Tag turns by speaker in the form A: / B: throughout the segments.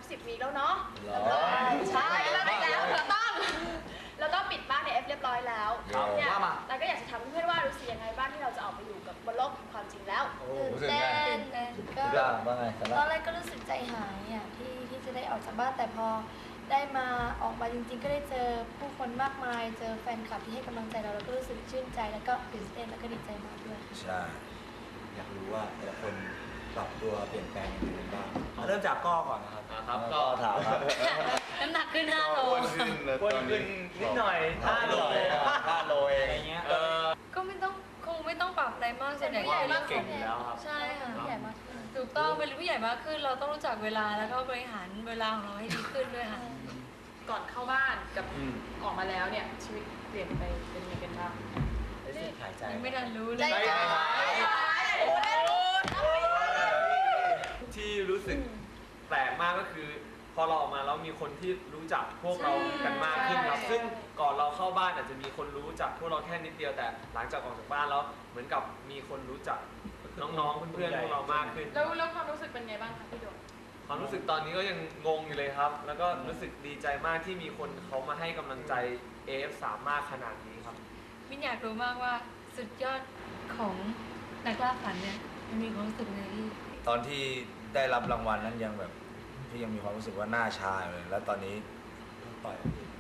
A: 10 วีคแล้วเนาะใช่แล้วเราต้องปิดบ้านใน F เรียบร้อยแล้วเนี่ยเราก็อยากจะถามเพื่อนๆว่ารู้สึกยังไงบ้างที่เราจะออกไปอยู่กับบนโลกของความจริงแล้ว
B: ตื่นเต้นก็ตอนแรกก็รู้สึกใจหายอ่ะที่จะได้ออกจากบ้านแต่พอได้มาออกมาจริงๆก็ได้เจอผู้คนมากมายเจอแฟนคลับที่ให้กำลังใจเราแล้วก็รู้สึกชื่นใจแล้วก็ตื่นเต้นแล้วก็ดีใจมากด้วย
C: ใช่อยากรู้ว่าแต่ละคนปรับตัวเปลี่ยนแปลงยังไงบ้าง
D: เริ่มจากก้อก่อนนะครับ
C: ก็ถามครับ
B: น้ำหนักขึ้น5 โล
D: อ้วนขึ้นนิดหน่อย5 โล
C: เอง
D: อะไรเงี้ย
B: ก็คงไม่ต้องปรับอะไรมากส่วนใหญ่
D: เก่งอยู่แล้วครับ
B: ใช่ค่ะผู้ใหญ่มากขึ้นถูกต้องเป็นผู้ใหญ่มากขึ้นเราต้องรู้จักเวลาแล้วก็บริหารเวลาของเราให้ดีขึ้นด้วยค่ะ
A: ก่อนเข้าบ้านกับออกมาแล้วเนี่ยชีวิตเปลี่ยนไปเป็นยังไงกันบ้าง
D: หายใจ
B: ไม่ทันรู้เลย
E: ที่รู้สึกแปลกมากก็คือพอเราออกมาแล้วมีคนที่รู้จักพวกเรากันมากขึ้นครับซึ่งก่อนเราเข้าบ้านอาจจะมีคนรู้จักพวกเราแค่นิดเดียวแต่หลังจากออกจากบ้านแล้วเหมือนกับมีคนรู้จักน้องๆเพื่อนๆพวกเรามากขึ้น
A: แล้วความรู้สึกเป็นไงบ้างคะพี่โดม
E: ความรู้สึกตอนนี้ก็ยังงงอยู่เลยครับแล้วก็รู้สึกดีใจมากที่มีคนเขามาให้กำลังใจ AF3 มากขนาดนี้ครับ
B: มินอยากรู้มากว่าสุดยอดของนักล่าฝันเนี่ยมันมีความรู้สึกไงที่
C: ตอนที่ได้รับรางวัลนั้นยังแบบพี่ยังมีความรู้สึกว่าหน้าชาเลยแล้วตอนนี้ต่อย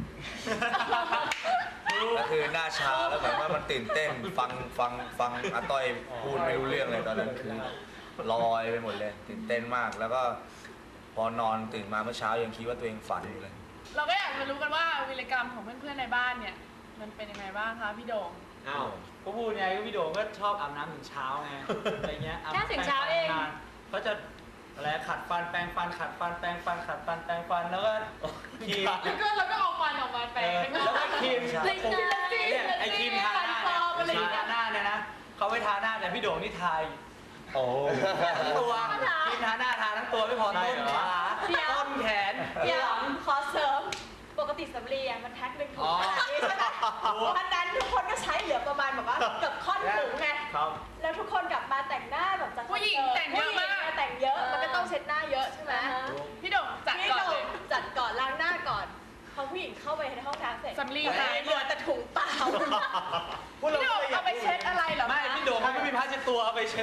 C: ก็คือหน้าชาแล้วแบบว่ามันตื่นเต้นฟังอาต้อยพูดไม่รู้เรื่องเลยตอนนั้นคือลอยไปหมดเลยตื่นเต้นมากแล้วก็พอนอนตื่นมาเมื่อเช้ายังคิดว่าตัวเองฝันอยู่เลย
A: เราก็อยากจะรู้กันว่าวีรกรรมของเพื่อนๆในบ้านเนี่ยมันเป็นยังไงบ้างคะพี่โด่ง
D: ก็พูดไงก็พี่โด่งก็ชอบอาบน้ำถึงเช้าไงอะไรเงี้ย
B: แค่ถึงเช้าเอง
D: เขาจะอะไรขัดฟันแปรงฟันขัดฟันแปรงฟันขัดฟันแปรงฟันแล้วก็ครีม
A: แล้วก็เอาฟันออกมาแปรง
D: แล้วก็ครีมเนี่ยไอครีมทาหน้าเนี่ยนะเขาไม่ทาหน้าแต่พี่โด่งนี่ทาทั้งตัวครีมทาหน้าทาทั้งตัวไม่พอต้นขาต้นแขน
A: ขอเสริมปกติสำลีมันแพ็คหนึ่งถุงขนาดนี้ใช่ไหมอันนั้นทุกคนก็ใช้เหลือประมาณแบบว่าเกือบค่อนถุงไงแล้วทุกคนกลับมาแต่งหน้าแบบจัดผู้หญิงแต่งเยอะมากแต่งเยอะมันก็ต้องเช็ดหน้าเยอะใช่ไหมพี่โด่งจัดก่อนล้างหน้าก่อนพอผู้หญิงเข้าไปในห้องน้ำเสร็จสำลีหายเหลือแต่ถุงเปล่าพี่โด่งเอาไปเช็ดอะไรหรอ
D: ไม่พี่โด่งเขาไม่มีผ้าเช็ดตัวเอาไปเช็ด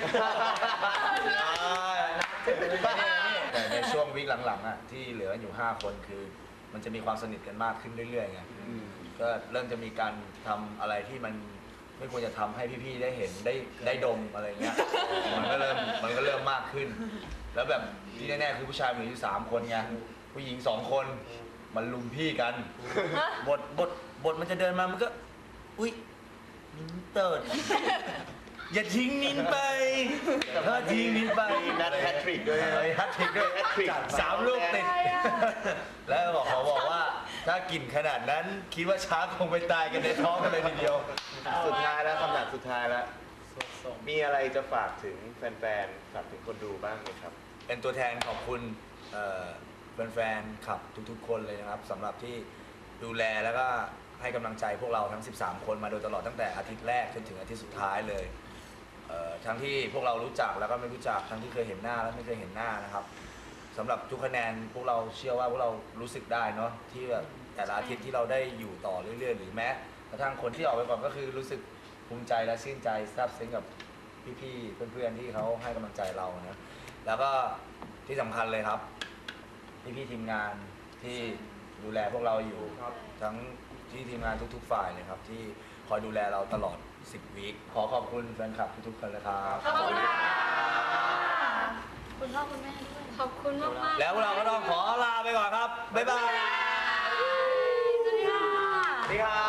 C: แต่ในช่วงวิคหลังๆอ่ะที่เหลืออยู่5 คนคือมันจะมีความสนิทกันมากขึ้นเรื่อยๆไงก็เริ่มจะมีการทำอะไรที่มันไม่ควรจะทำให้พี่ๆได้เห็นได้ดมอะไรเงี้ยมันก็เริ่มมากขึ้นแล้วแบบที่แน่ๆคือผู้ชายมีอยู่3 คนไงผู้หญิง2 คนมันลุมพี่กันบทมันจะเดินมามันก็อุ้ยนิ้นเติร์ดอย่าทิ้งนิ้นไปถ้าทิ้งนิ้นไป
D: นัดแฮตทริกด้วย
C: 3 ลูกติดแล้วเขาบอกว่าถ้ากินขนาดนั้นคิดว่าช้างคงไปตายกันในท้องกันเลยทีเดียว
F: สุดท้ายแล้วคำถามสุดท้ายแล้วมีอะไรจะฝากถึงแฟนๆฝากถึงคนดูบ้างไหมครับ
C: เป็นตัวแทนขอบคุณแฟนๆขับทุกๆคนเลยนะครับสำหรับที่ดูแลแล้วก็ให้กำลังใจพวกเราทั้ง13 คนมาโดยตลอดตั้งแต่อาทิตย์แรกจนถึงอาทิตย์สุดท้ายเลยทั้งที่พวกเรารู้จักแล้วก็ไม่รู้จักทั้งที่เคยเห็นหน้าและไม่เคยเห็นหน้านะครับสำหรับทุกคะแนนพวกเราเชื่อว่าพวกเรารู้สึกได้เนาะที่แบบแต่ละอาทิตย์ที่เราได้อยู่ต่อเรื่อยๆหรือแม้กระทั่งคนที่ออกไปก่อนก็คือรู้สึกภูมิใจและชื่นใจซาบซึ้งกับพี่ๆเพื่อนๆที่เขาให้กำลังใจเรานะแล้วก็ที่สำคัญเลยครับพี่ๆทีมงานที่ดูแลพวกเราอยู่ทั้งที่ทีมงานทุกๆฝ่ายเลยครับที่คอยดูแลเราตลอด10 วีคขอขอบคุณแฟนคลับทุกๆคนเลยครับ
B: ขอบคุณค่ะคุณพ่อคุณแม่ด้วยขอบคุณมากๆ
C: แล้วเราก็ต้องขอลาไปก่อนครับบ๊ายบาย
B: สวัสดีค่ะ
C: สวัสดีครับ